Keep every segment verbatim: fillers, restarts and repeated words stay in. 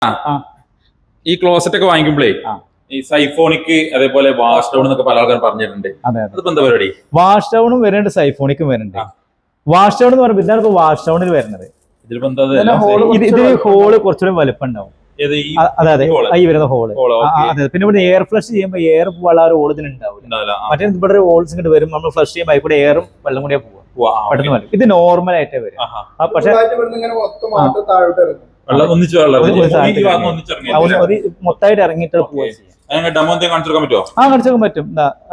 ഈ ക്ലോസറ്റ് ഒക്കെ വാങ്ങിക്കുമ്പോഴേ ഈ സൈഫോണിക് അതേപോലെ വാഷ് ഡൗൺ എന്നൊക്കെ പല ആൾക്കാരും പറഞ്ഞിട്ടുണ്ട്. അതിപ്പോ എന്താ പരിപാടി? വാഷ് ഡൗണും വരുന്നുണ്ട്, സൈഫോണിക്കും വരുന്നുണ്ട്. വാഷ് ഡൗൺ എന്ന് പറയുമ്പോൾ ഇതാണ് ഇപ്പൊ വാഷ് ഡൗണിൽ വരുന്നത്. ഇതിൽ ഹോള് കുറച്ചുകൂടി വലുപ്പം ഉണ്ടാവും. അതെ അതെ, ഈ വരുന്ന ഹോള്. അതെ, പിന്നെ ഇവിടെ എയർ ഫ്ലഷ് ചെയ്യുമ്പോൾ എയർ പോകാനുള്ള ഒരു ഓളത്തിന് ഉണ്ടാവില്ല. മറ്റേ ഇവിടെ ഒരു ഹോൾസ് ഇങ്ങോട്ട് വരും, നമ്മൾ ഫ്ലഷ് ചെയ്യുമ്പോൾ അതിൽ കൂടെ എയറും വെള്ളം കൂടിയാ പോവാ, പെട്ടെന്ന് വരും. ഇത് നോർമൽ ആയിട്ടേ വരും. പക്ഷെ മൊത്തമായിട്ട് ഇറങ്ങിയിട്ട് പോവാ ചെയ്യാം. ആ കാണിച്ചേക്കാൻ പറ്റും.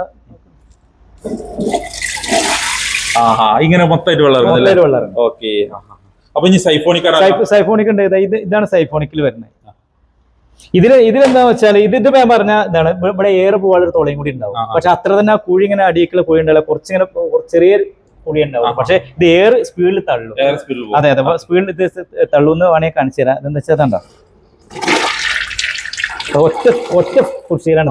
ഇങ്ങനെ മൊത്തമായിട്ട് വെള്ളം. ഓക്കെ, അപ്പൊ ഇനി സൈഫോണിക് സൈഫോണിക് ഉണ്ട്. ഇത് ഇതാണ് സൈഫോണിക്കിൽ വരുന്നത്. ഇതില് ഇതിലെന്താ വെച്ചാൽ ഇത് ഇത് ഞാൻ പറഞ്ഞ ഇതാണ്, ഇവിടെ എയർ പോകാനുള്ള തുളയും കൂടി ഉണ്ടാവും. പക്ഷെ അത്ര തന്നെ ആ കുഴി ഇങ്ങനെ അടിയിക്കുള്ള കുഴി ഉണ്ടാവില്ല, കുറച്ചിങ്ങനെ ചെറിയ കുഴി ഉണ്ടാവും. പക്ഷെ ഇത് എയർ സ്പീഡിൽ തള്ളും. അതെ അതെ, സ്പീഡിൽ ഇത് തള്ളുന്ന് വേണമെങ്കിൽ കാണിച്ചു തരാം. ഇതെന്ന് വെച്ചാൽ എന്താ, ഒറ്റ ഒറ്റ കുർച്ചിയിലാണ്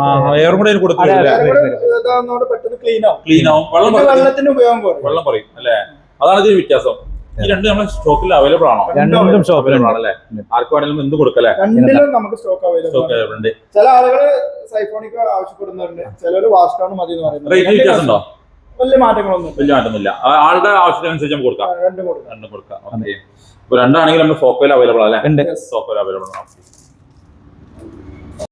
വെള്ളം പറയും അല്ലേ? അതാണ് ഇതിന് വ്യത്യാസം. ഈ രണ്ട് നമ്മുടെ സ്റ്റോക്കിൽ അവൈലബിൾ ആണോ? രണ്ടും സ്റ്റോക്കിലാണല്ലേ? ആർക്ക് വേണമെങ്കിലും എന്ത് കൊടുക്കല്ലേ? രണ്ടിലും നമുക്ക് സ്റ്റോക്ക് അവൈലബിൾ ഉണ്ട്. ചില ആളുകൾ സൈഫോണിക് ആവശ്യപ്പെടുന്നവരുണ്ട്, ചിലര് വാഷ് ഡൗൺ മതി എന്ന് പറയുന്നത്. റേറ്റ് വ്യത്യാസം ഉണ്ടോ? വലിയ മാറ്റങ്ങളൊന്നും വലിയ മാറ്റമൊന്നുമില്ല. ആളുടെ ആവശ്യത്തിനനുസരിച്ച് നമുക്ക് കൊടുക്കാം. രണ്ടും കൊടുക്കാം. രണ്ടും കൊടുക്കാം. ഓക്കെ, ഇപ്പൊ രണ്ടാണെങ്കിൽ നമ്മുടെ സ്റ്റോക്കിൽ അവൈലബിൾ അല്ലേ? സ്റ്റോക്കിൽ അവൈലബിൾ ആണ്.